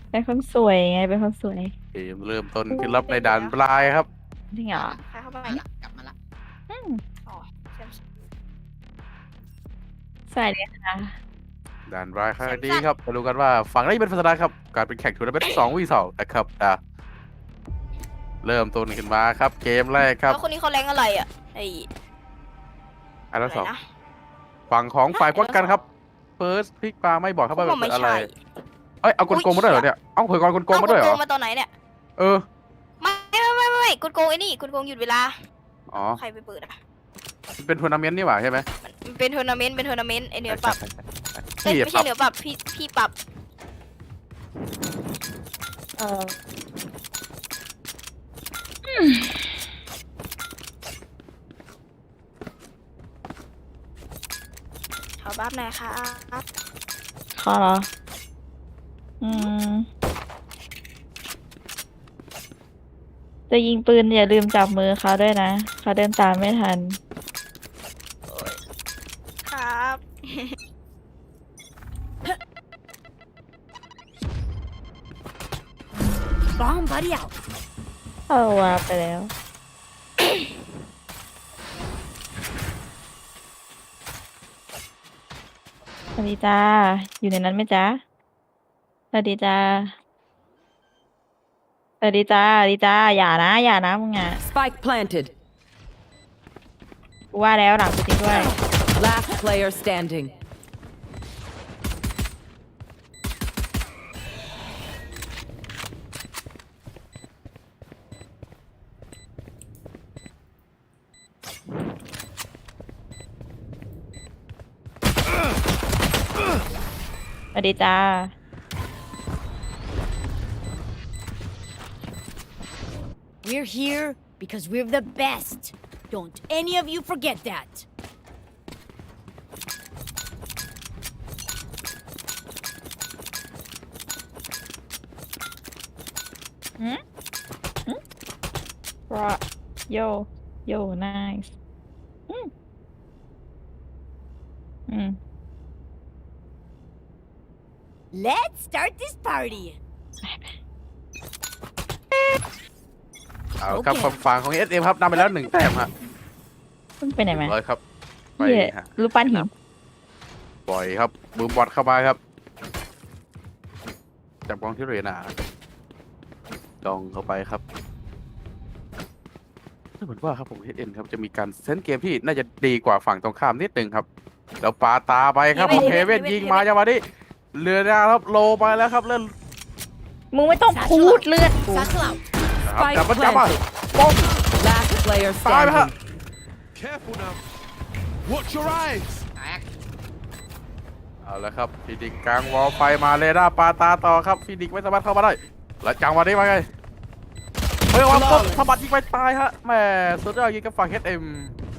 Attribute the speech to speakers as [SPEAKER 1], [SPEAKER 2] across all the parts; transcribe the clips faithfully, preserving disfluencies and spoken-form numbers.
[SPEAKER 1] เป็นคนสวยไงเป็นคนสวย
[SPEAKER 2] เกมเริ่มต้นขึ้นรับในด่านปลายครับ
[SPEAKER 1] จริงเหรอ
[SPEAKER 3] ใครเข้ามาละกลับมาละ
[SPEAKER 1] อืม
[SPEAKER 3] อ๋อเชื่อม
[SPEAKER 1] สวัสดีค่ะ
[SPEAKER 2] ด่านปลายครั้งนี้ครับมาดูกันว่าฝั่งไหนเป็นพัฒนาครับการเป็นแข่งทัวร์นาเมนต์สองวีสองนะครับอ่ะเริ่มต้นขึ้นมาครับเกมแรกครับ
[SPEAKER 3] แล้วคนนี้เขาแรงอะไรอ่ะไอ้
[SPEAKER 2] อัน
[SPEAKER 3] อะ
[SPEAKER 2] ละ
[SPEAKER 3] ไร
[SPEAKER 2] สอง
[SPEAKER 3] นะ
[SPEAKER 2] ฝั่งของฝ่ายป้องกันครับเฟิร์สพลิกปลาไม่บอกครับว่า
[SPEAKER 3] ผม
[SPEAKER 2] เป็
[SPEAKER 3] ไม่
[SPEAKER 2] นอะไร
[SPEAKER 3] ใช่
[SPEAKER 2] เอ้ยเอากลโกงมาด้วยเหรอเนี่ยเอาเผยกรกลโกงมาด้วยเหร
[SPEAKER 3] เอ้
[SPEAKER 2] อ
[SPEAKER 3] กดโกงมาตอนไหนเนี่ย
[SPEAKER 2] เออ
[SPEAKER 3] ไม่ไม่ไม่ไม่กดโกงไอ้นี่กดโกงหยุดเวลา
[SPEAKER 2] อ๋อ
[SPEAKER 3] ใครไปเปิดอ่ะ
[SPEAKER 2] มันเป็นทัวร์นาเมนต์นี่หว่าใช่ไหม
[SPEAKER 3] มันมันเป็นทัวร์นาเมนต์เป็นทัวร์นาเมนต์ไอเหนือปรับเอ้ย
[SPEAKER 2] พี่
[SPEAKER 3] ไม่
[SPEAKER 2] ปรั
[SPEAKER 3] ใช่
[SPEAKER 2] บ
[SPEAKER 3] เหนือปรับพี่พี่ปรับ
[SPEAKER 1] เออ
[SPEAKER 3] ขอบัฟหน่อยครับ
[SPEAKER 1] ขอเหรออืมจะยิงปืนอย่าลืมจับมือเขาด้วยนะเขาเดินตามไม่ทัน
[SPEAKER 3] ครับ Bomb buddy out
[SPEAKER 1] เอาวาไปแล้ว สวัสดีจ้า อยู่ในนั้นไหมจ๊ะสวัสดีจ้าสวัสดีจ้าสวัสดีจ้า อย่านะ อย่านะมึงอ่ะ
[SPEAKER 4] Spike planted.
[SPEAKER 1] กูว่าแล้วหลังกูจริงด้วย
[SPEAKER 4] Last player standing.
[SPEAKER 1] สวัสดีจ้า
[SPEAKER 5] We're here because we're the best. Don't any of you forget that.
[SPEAKER 1] หืมหืมรอโย โย nice อืม อืม
[SPEAKER 5] Let's start this party.
[SPEAKER 2] เอาครับฝั่งฝั่งของเอสเอ็มครับนำไปแล้วหนึ่งแต้มฮะ
[SPEAKER 1] มึงไปไหนมา
[SPEAKER 2] ร้อยครับไป
[SPEAKER 1] เหี้ย
[SPEAKER 2] ฮะ
[SPEAKER 1] รูปปั้นหิน
[SPEAKER 2] ปล่อยครับบูมบอลเข้ามาครับจับกองที่เรนาดองเข้าไปครับเหมือนว่าครับผมเอสเอ็นครับจะมีการเซนเกมที่น่าจะดีกว่าฝั่งตรงข้ามนิดนึงครับแล้วปาตาไปครับผมเฮเว่นยิงมาจังหวะนี้เรือนะครับโลไปแล้วครับเล่น
[SPEAKER 1] มึงไม่ต้องพูดเลือดกู
[SPEAKER 5] Satchel out.
[SPEAKER 2] นะครับจับมันจับมาป้อง
[SPEAKER 4] Last player
[SPEAKER 2] ตายไปฮะ
[SPEAKER 4] standing.
[SPEAKER 6] Careful now. Watch your eyes.
[SPEAKER 3] แตก
[SPEAKER 2] เอาละครับฟินิกกลางวอลไฟมาเรดาร์ปาตาต่อครับฟินิกไม่สามารถเข้ามาได้แล้วจังหวะนี้มาไงเฮ้ยวันปุ๊บสะบัดยิงไปตายฮะแหมสุดยอดยิงกับฝั่งเอสเอ็ม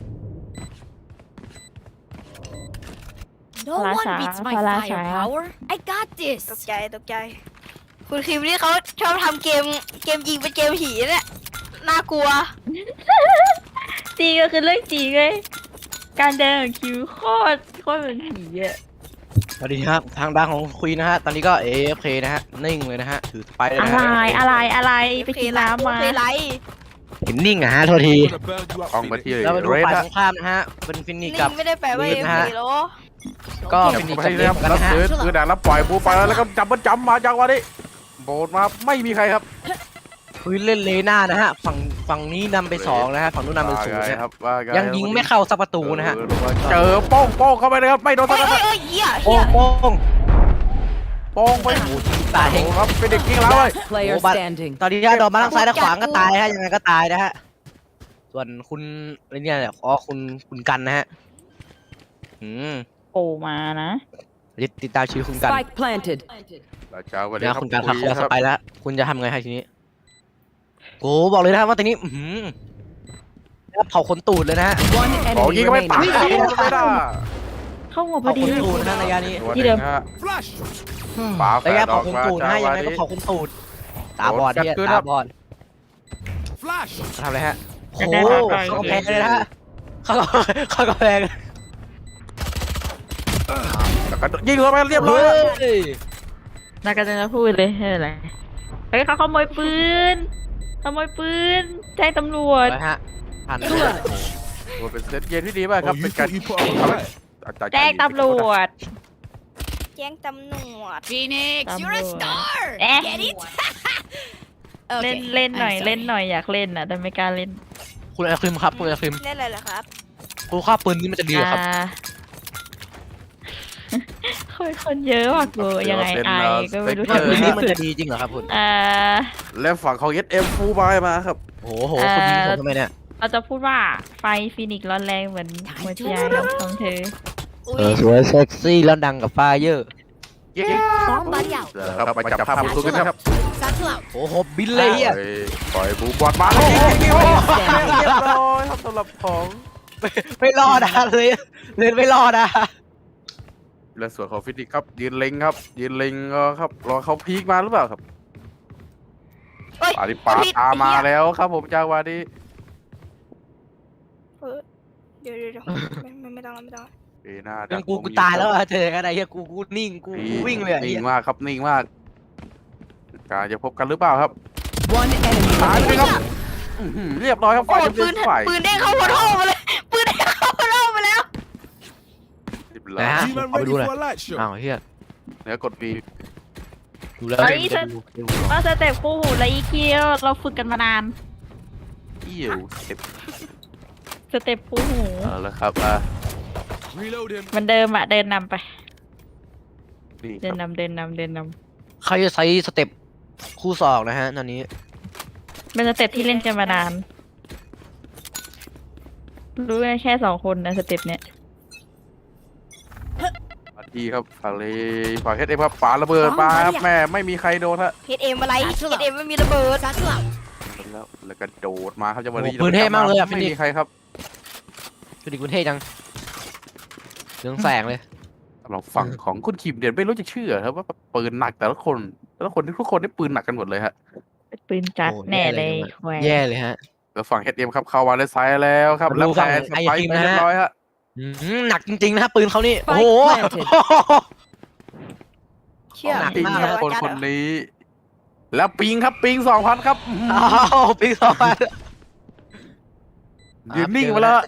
[SPEAKER 5] No one
[SPEAKER 1] Palasha,
[SPEAKER 5] beats my
[SPEAKER 1] Palasha.
[SPEAKER 5] firepower. I got
[SPEAKER 3] ต
[SPEAKER 5] this.
[SPEAKER 3] กใจตกใจ คุณคิมนี่เขาชอบทำเกมเกมยิงเป็นเกมผีเนี่ยน่ากลัว
[SPEAKER 1] จริงก็คือเรื่องจริงเลยการเดินของคิวโคตรโคตรเป็นผีอะ
[SPEAKER 7] สวัสดีครับทางด้านของคุยนะฮะ ตอนนี้ก็ เอ เอฟ เค นะฮะ นิ่งเลยนะฮะ ถือสไปร์เลย
[SPEAKER 1] อะ
[SPEAKER 7] นะ
[SPEAKER 1] ไร
[SPEAKER 7] ฮะ
[SPEAKER 1] อะไรอะไรไปกินน้ำมา
[SPEAKER 3] เพลไร
[SPEAKER 7] เห็นนิ่งอะฮะ โทษที
[SPEAKER 6] I'm gonna burn you up.
[SPEAKER 2] อองมา
[SPEAKER 6] Phoenix.
[SPEAKER 2] ที่
[SPEAKER 7] แล้วมาดู
[SPEAKER 2] เรด
[SPEAKER 7] ฝ่าย
[SPEAKER 2] ฮะ
[SPEAKER 7] ตรงข้ามนะฮะ เป็นฟินิก
[SPEAKER 3] นี่
[SPEAKER 7] กับ
[SPEAKER 3] ไม่ได้แปลว่า
[SPEAKER 7] วี
[SPEAKER 3] เอ็
[SPEAKER 7] ด
[SPEAKER 3] ม
[SPEAKER 7] นะฮะ
[SPEAKER 3] พีโล
[SPEAKER 7] ก็
[SPEAKER 2] จับ
[SPEAKER 7] ฟินิก
[SPEAKER 2] ไป
[SPEAKER 7] กับ
[SPEAKER 2] ที่
[SPEAKER 7] เอ
[SPEAKER 2] ค
[SPEAKER 7] ฟ
[SPEAKER 2] รับ
[SPEAKER 7] กัน
[SPEAKER 2] แล้ว
[SPEAKER 7] นะฮะ
[SPEAKER 2] ซื้อคือด่านแล้วปล่อยบูไปแล้วแล้วก็จับมันจับมาจังหวะนี้โบดมาไม่มีใครครับ
[SPEAKER 7] คุยเล่นเลน่านะฮะ ฝั่งฝั่งนี้นำไปสองนะฮะ ฝั่งนู้นนำไปศูนย์
[SPEAKER 2] ว่าไง
[SPEAKER 7] นะ
[SPEAKER 2] ครับว่าไ
[SPEAKER 7] ยังยิงไม่เข้าสักประตูนะฮะ
[SPEAKER 2] เจอโป้งโป้งเข้าไปเลยครับไม่โดน
[SPEAKER 3] เฮ้
[SPEAKER 2] ตาย น
[SPEAKER 3] เฮ้
[SPEAKER 2] นั้น
[SPEAKER 3] ยเฮ้ยเหี้ย
[SPEAKER 7] โป้
[SPEAKER 3] เหี้ย
[SPEAKER 7] งโป้ง
[SPEAKER 2] โป้งไป
[SPEAKER 7] โอ้โหยิงตายเอง
[SPEAKER 2] ครับเป็นเด็กยิงแล้วเลย
[SPEAKER 4] Last player
[SPEAKER 7] Oh, but-
[SPEAKER 4] standing.
[SPEAKER 7] ตอนนี้โดนมาทางซ้ายและขวางก็ตายฮะ ยังไงก็ตายนะฮะ ส่วนคุณอะไรเนี่ยเนี่ยอ๋อคุณคุณกันนะฮะ อืม
[SPEAKER 1] โผล่มานะ
[SPEAKER 7] ติดตามชีวิตคุณกัน
[SPEAKER 4] Spike planted.
[SPEAKER 2] แล้วเจ้าวัน
[SPEAKER 7] เดี๋
[SPEAKER 2] นี้
[SPEAKER 7] ยว
[SPEAKER 2] ครับ
[SPEAKER 7] คุณการขับ
[SPEAKER 2] คุ
[SPEAKER 7] เข้าย สไปแล้ว คุณจะทำไงให้ทีนี้โอ้บอกเลยนะครับว่าตอนนี้ อือหือแล้วเผาขนตูดเลยนะฮะ
[SPEAKER 4] One
[SPEAKER 2] ขอ
[SPEAKER 4] enemy
[SPEAKER 2] ยิงก็ไม่ตาย
[SPEAKER 4] remaining.
[SPEAKER 2] ยิงก็ไม่ได้
[SPEAKER 1] เข้าหัวพ
[SPEAKER 7] เผา
[SPEAKER 1] อดี
[SPEAKER 7] ขนตูดนะระยะนี้
[SPEAKER 1] ที่เดิม
[SPEAKER 6] Flash.
[SPEAKER 2] ฝาแฝ
[SPEAKER 7] ระยะ
[SPEAKER 2] ดอ
[SPEAKER 7] เผา
[SPEAKER 2] อก
[SPEAKER 7] ขน
[SPEAKER 2] มา
[SPEAKER 7] ตูด
[SPEAKER 2] จั
[SPEAKER 7] นะ
[SPEAKER 2] งห
[SPEAKER 7] ยั
[SPEAKER 2] วะ
[SPEAKER 7] งไงก็
[SPEAKER 2] นี้
[SPEAKER 7] เผาขนตูด ตาบอดเนี่ย
[SPEAKER 2] โดนจัดขึ้นครั
[SPEAKER 7] ตา
[SPEAKER 2] บ
[SPEAKER 7] บอด
[SPEAKER 6] Flash.
[SPEAKER 7] ทำอะไรฮะโอ้
[SPEAKER 1] ได้
[SPEAKER 7] โห
[SPEAKER 1] ได้ได้
[SPEAKER 7] เข้ากำแพงเลยนะฮะเข้าเข้ากำแพง
[SPEAKER 2] แล้วก็ยิงเข้าไปเรียบร้อย
[SPEAKER 7] เฮ้
[SPEAKER 2] แล้ว
[SPEAKER 7] ย
[SPEAKER 1] น่าก็จะพูดเลยไม่เป็นไรเฮ้ยเขาขโมยปืนขโมยปืนแจ้งตำรวจ
[SPEAKER 7] ไปฮะผ่านไป
[SPEAKER 2] โอ้เป็นเซตเกมที่ดีมากครับ
[SPEAKER 6] Oh,
[SPEAKER 2] เป็
[SPEAKER 6] you
[SPEAKER 2] นการ
[SPEAKER 6] thought you put up a fight?
[SPEAKER 2] อาจารย์
[SPEAKER 1] แจ้งตำรวจ
[SPEAKER 3] แจ้งตำรวจ
[SPEAKER 5] Phoenix, you're a
[SPEAKER 1] Tamo.
[SPEAKER 5] star.
[SPEAKER 1] Eh.
[SPEAKER 5] Get it?
[SPEAKER 1] เล่น
[SPEAKER 5] Okay,
[SPEAKER 1] เล่นหน่อย
[SPEAKER 5] I'm
[SPEAKER 1] เล่น
[SPEAKER 5] sorry.
[SPEAKER 1] หน่อยอยากเล่นอ่ะแต่ไม่กล้าเล่น
[SPEAKER 7] คุณไอคริมครับคุณไอคริม
[SPEAKER 3] เล่นอะไรเหรอครับ
[SPEAKER 7] คุณค่าปืนนี้มันจะดีเหรอครับ
[SPEAKER 1] อ่า คนคนเยอะว่ะกูยังไงไอก็ไม่รู้
[SPEAKER 7] ว่า
[SPEAKER 1] ทำ
[SPEAKER 7] ปืน
[SPEAKER 1] ไง
[SPEAKER 7] นี้มันจะดีจริงเหรอครับคุณ
[SPEAKER 1] อ่า
[SPEAKER 2] และฝั่งของ เอส เอ็ม ฟูลบายมาครับ
[SPEAKER 7] โอ้โหคุณยิงผมทำไมเนี่ย
[SPEAKER 1] เราจะพูดว่าไฟฟินิกซ์ร้อนแรงเหมือนหัวใจของเธอ
[SPEAKER 3] อุ้
[SPEAKER 7] เออย สวยเซ็กซี่แล้วดังกับไฟเยอร์
[SPEAKER 5] Bomb buddy out.
[SPEAKER 2] ครับไปจับภาพมุมสูงกันครับ
[SPEAKER 5] Satchel out.
[SPEAKER 7] โอ้โหบินเลยอ่ะ
[SPEAKER 2] ปล่อยปล่อยบูบอลมาแล้วยิงๆเรียบร้อยครับสำหรับของ
[SPEAKER 7] ไม่รอดอะเลยเล่นไม่รอดอะ
[SPEAKER 2] และส่วนของฟินิกส์ครับยืนเล็งครับ ยืนเล็งก็ครับรอเขาพีคมาหรือเปล่าครับ
[SPEAKER 3] เฮ้ย
[SPEAKER 2] ปาดิปาตามมาแล้วครับผมจังหวะนี้
[SPEAKER 3] เออเดี๋ยวเดี๋ยวเดี๋ยวไม่ไม่ไม่ต้องแล้วไม่ต้องแล้ว
[SPEAKER 2] เอ้ยหน้า
[SPEAKER 7] ยังกูกูตายแล้วอะเจอกันอะไรเฮียกูกูนิ่งกูกูวิ่งเลยอะ
[SPEAKER 2] นิ่
[SPEAKER 7] เหี้
[SPEAKER 2] ง
[SPEAKER 7] ย
[SPEAKER 2] มากครับนิ่งมากการจะพบกันหรือเปล่าครับ
[SPEAKER 4] One enemy
[SPEAKER 2] ตายไป
[SPEAKER 4] remaining.
[SPEAKER 2] ครับอื้อหือเรียบร้อยครับ
[SPEAKER 3] โอ้
[SPEAKER 2] ฝ่าย
[SPEAKER 3] ยปืน
[SPEAKER 2] ฝ่าย
[SPEAKER 3] ปืนเด้งเข้าหัวท่อมาเลย ปืนเด้งเข้าหัวท่อมาแล้ว
[SPEAKER 2] เรียบร้อย
[SPEAKER 7] นะฮะ
[SPEAKER 6] G-Man
[SPEAKER 7] เอาไป
[SPEAKER 6] ready
[SPEAKER 7] ดูหน่อย
[SPEAKER 6] for a light show?
[SPEAKER 7] อ้าวเฮีย
[SPEAKER 2] เนื้อกดบี
[SPEAKER 7] ดูแล้ว
[SPEAKER 1] เฮ้ย
[SPEAKER 7] เดี๋ยวดูเดี๋ยวดู
[SPEAKER 1] ว่าสเต็ปคู่หูและอีคิวเราฝึกกันมานาน
[SPEAKER 2] เอี่ยวเจ็บ
[SPEAKER 1] สเต็ปคู่หู
[SPEAKER 2] เอาละครับอ่ะ
[SPEAKER 6] Reloading.
[SPEAKER 1] เหมันเดิมอะเดินนำไป
[SPEAKER 2] นี่
[SPEAKER 1] เดิ
[SPEAKER 2] คน รับ
[SPEAKER 1] นำเดินนำเดินน
[SPEAKER 7] ใครจะใช้สเต็ปคู่ศอกนะฮะตอนนี้
[SPEAKER 1] ำเป็นสเต็ปที่เล่นกันมานาน รู้กันแค่สองคนนะสเต็ปเนี้ย
[SPEAKER 2] มาที่ครับฝั่งเลยฝั่งเฮดเอ็มครับปาระเบิดมาครับแม่ไม่มีใครโดนฮะ
[SPEAKER 3] เฮดเอ็มอะไรเฮดเอ็มไม่มีระเบิด
[SPEAKER 5] Satchel out.
[SPEAKER 2] แล้วแล้วก็โดดมาครับจังหวะนี้
[SPEAKER 7] โอ้โหปืนเท่มากเลยอะ
[SPEAKER 2] ไม่
[SPEAKER 7] ฟินิ
[SPEAKER 2] มี
[SPEAKER 7] กส์
[SPEAKER 2] ใครครับ
[SPEAKER 7] ดูดิคุณเท่จังเรื่องแสงเลย
[SPEAKER 2] สำหรับฝั่งของคุณคิมเดียนไม่รู้จะเชื่อครับว่าปืนหนักแต่ละคนแต่ละคนทุกคนได้ปืนหนักกันหมดเลยฮะ
[SPEAKER 1] เป็นปืนจัด
[SPEAKER 7] โอ้
[SPEAKER 1] แน่เลย
[SPEAKER 7] แย่เลย
[SPEAKER 1] แหว
[SPEAKER 7] แย่เลยฮะ
[SPEAKER 2] แล้วฝั่งเฮดเอ็มครับเข้ามาในไซด์แล้วครับ
[SPEAKER 7] มาดู
[SPEAKER 2] แล้ว
[SPEAKER 7] ฝั่
[SPEAKER 2] แพ้
[SPEAKER 7] ง
[SPEAKER 2] ส
[SPEAKER 7] ไอ้
[SPEAKER 2] ไป
[SPEAKER 7] คิ
[SPEAKER 2] ค์
[SPEAKER 7] ม
[SPEAKER 2] ไป
[SPEAKER 7] นะ
[SPEAKER 2] เรียบร้อยฮะ
[SPEAKER 7] อืมหนักจริงๆนะฮะปืนเขานี่ โอ้
[SPEAKER 4] Spike
[SPEAKER 7] โห
[SPEAKER 4] planted
[SPEAKER 3] เชื่อ
[SPEAKER 7] หนัก
[SPEAKER 2] จริง
[SPEAKER 7] มาก
[SPEAKER 2] ครับ
[SPEAKER 3] เชื่อ
[SPEAKER 2] คน
[SPEAKER 3] จัด
[SPEAKER 2] คน
[SPEAKER 3] เหรอ
[SPEAKER 2] นี้ แล้วปิงครับปิงสองพันครับอื้อหือ
[SPEAKER 7] อ้าวปีสองพัน
[SPEAKER 2] ยืนนิ่งมาแล้วฮะ